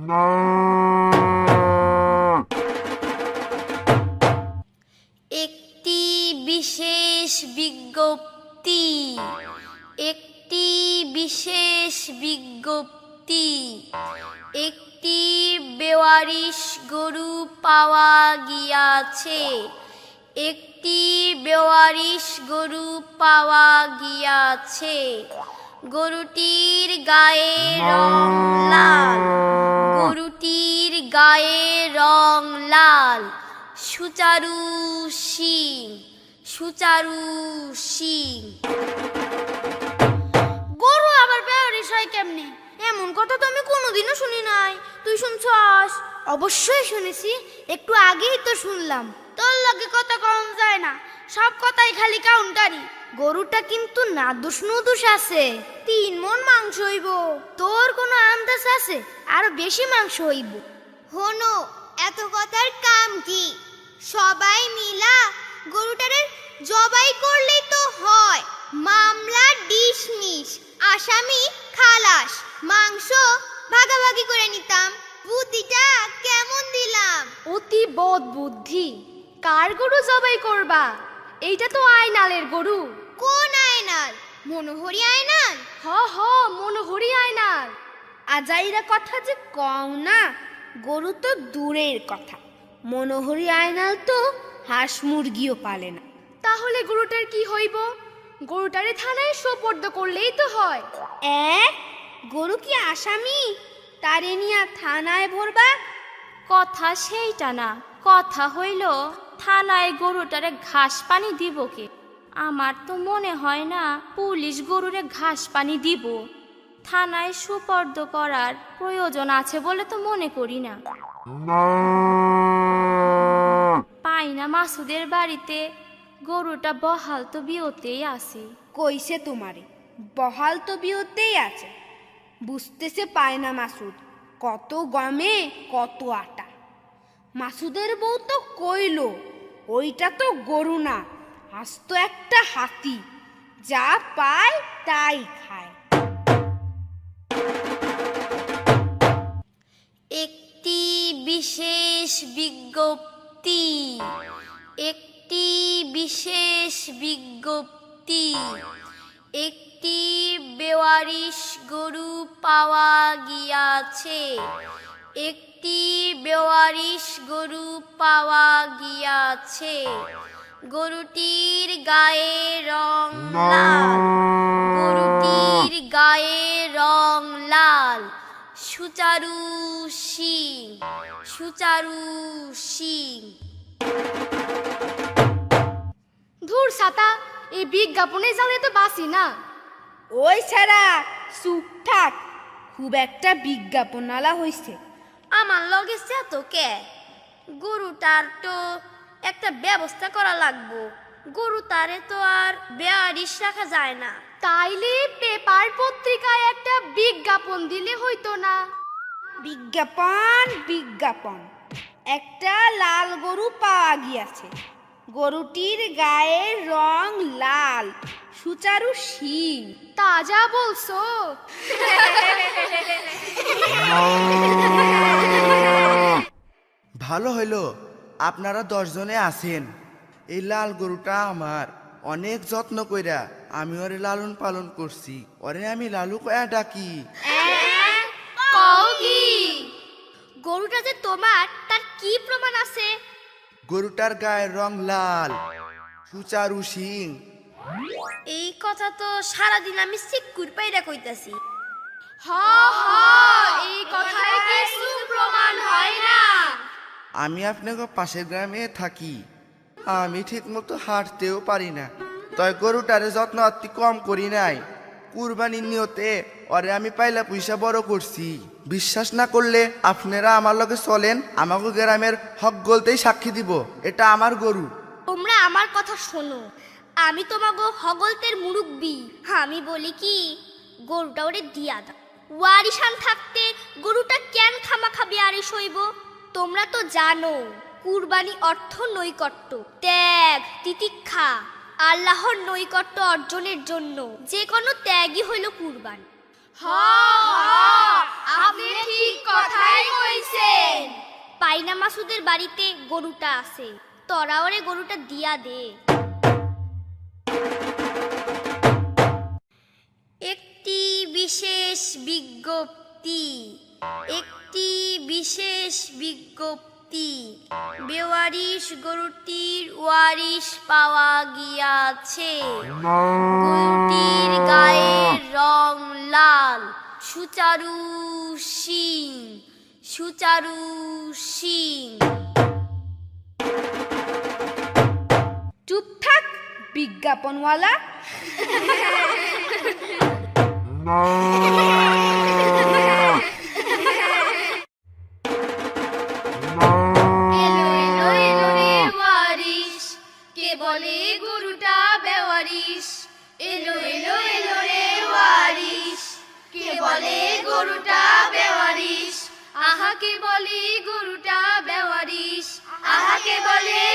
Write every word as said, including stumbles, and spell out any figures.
একটি বিশেষ বিজ্ঞপ্তি একটি বিশেষ বিজ্ঞপ্তি একটি বেওয়ারিশ গরু পাওয়া গিয়াছে একটি বেওয়ারিশ গরু পাওয়া গিয়াছে গরুটির গায়ে রং লাল গরুটির গায়ে রং লাল সুচারু শিং সুচারু শিং। গরু আবার বেওয়ারিশ হয় কেমনে? এমন কথা তো আমি কোনোদিনও শুনি নাই। তুই শুনছস? অবশ্যই শুনেছি, একটু আগেই তো শুনলাম। তোর লগে কথা কম যায় না, সব কথাই খালি কাউন্টারি। গরুটা কিন্তু নাদুস নুদুস আছে, তিন মন মাংস হইব। তোর কোনো আন্দাজ আছে আরো বেশি মাংস হইব? হনো, এত কথার কাম কি? সবাই মিলা গরুটারে জবাই করলেই তো হয়। মামলা ডিসমিস, আসামি খালাস, মাংস ভাগাভাগি করে নিতাম। বুদ্ধিটা কেমন দিলাম? অতি বদ বুদ্ধি। কার গরু জবাই করবা? এইটা তো আয়নালের গরু। কোন আয়নাল? মনোহরি আয়নাল? হ হ মনোহরি আয়নাল। আজাইরা কথা যে কও না, গরু তো দূরের কথা, মনোহরি আয়নাল তো হাঁস মুরগিও পালে না। তাহলে গরুটার কি হইব? গরুটারে থানায় সোপর্দ করলেই তো হয়। এক গরু কি আসামি? তারে নিয়া থানায় ভরবা? কথা সেইটা না, কথা হইল থানায় গরুটারে ঘাস পানি দিব কে? আমার তো মনে হয় না পুলিশ গরুরে ঘাস পানি দিব। থানায় সুপর্দ করার প্রয়োজন আছে বলে তো মনে করি না। পাই না মাসুদের বাড়িতে গরুটা বহাল তো বিয়তেই আছে। কইছে তোমারে বহাল তো বিয়তেই আছে, বুঝতেছে পায় না মাসুদ। কত গমে কত আটা। মাসুদের বউ তো কইল ওইটা তো গরু না, আস্ত একটা হাতি, যা পায় তাই খায়। একটি বিশেষ বিজ্ঞপ্তি একটি বিশেষ বিজ্ঞপ্তি একটি বেওয়ারিশ গরু পাওয়া গিয়াছে একটি বেওয়ারিশ গরু পাওয়া গিয়াছে গরুটির গায়ে রং লাল গরুটির গায়ে রং লাল সুচারু শিং সুচারু শিং। ধুর ছাতা, এই বিজ্ঞাপনে জালে তো বাসি না। ওই ছাড়া চুপ থাক, খুব একটা বিজ্ঞাপন আলা হইছে। আমার লগে তো কে? গরুটার তো একটা ব্যবস্থা করা লাগবো। গরু তারে তো আর বেয়ারিশ রাখা যায় না। তাইলে পেপার পত্রিকায় একটা বিজ্ঞাপন দিলে হইতো না? বিজ্ঞাপন বিজ্ঞাপন একটা লাল গরু পাওয়া গিয়াছে, গরুটির গায়ে রং লাল, সুচারু শিং। তাজা বলছো? ভালো হইল আপনারা দশজনে আছেন। এই লাল গরুটা আমার, অনেক যত্ন কইরা আমি ওরে লালন পালন করছি। ওরে আমি লালু কয়া ডাকি। গরুটা যে তোমার, তার কি প্রমাণ আছে? গরুটার গায়ের রং লাল, সুচারু শিং। এই কথা তো সারাদিন আমি সিক্কুর পাইরা কইতাছি। হ হ এই কথায় কিছু প্রমাণ হয় না। আমি আপনাকে পাশের গ্রামে থাকি, আমি ঠিক মতো হাঁটতেও পারি না, তাই গরুটারে যত্ন অতি কম করি নাই। কুরবানির নিয়তে ওরে আমি পাইলা পয়সা বড় করছি। বিশ্বাস না করলে আপনারা আমার লগে চলেন, আমাকে গ্রামের হক গলতেই সাক্ষী দিব এটা আমার গরু। তোমরা আমার কথা শোনো, আমি তোমাগো হগলতের মুরুব্বি। আমি বলি কি, গরুটা ওরে দিয়া দাও। ওয়ারিশান থাকতে গরুটা কেন খামাখা বেয়ারিশ হইব? তোমরা তো জানো কুরবানি অর্থ নৈকট্য, ত্যাগ, তিতিক্ষা, আল্লাহর নৈকট্য অর্জনের জন্য যে কোনো ত্যাগই হইল কুরবানি। আপনি ঠিক কথাই আয়না মাসুদের বাড়িতে গরুটা আছে, তোরা ওরে গরুটা দিয়া দে। একটি বিশেষ বিজ্ঞপ্তি, একটি বিশেষ বিজ্ঞপ্তি, বেওয়ারিশ গরুটির ওয়ারিশ পাওয়া গিয়াছে। গরুটির গায়ের রং লাল, সুচারু শিং, সুচারু শিং। চুপ থাক বিজ্ঞাপনওয়ালা। এলো এলো এলো রে ওয়ারিশ, কে বলে গরুটা বেওয়ারিশ। এলো এলো এলো রে ওয়ারিশ, কে বলে গরুটা বেওয়ারিশ। আহা কে বলে গরুটা বেওয়ারিশ, আহা কে বলে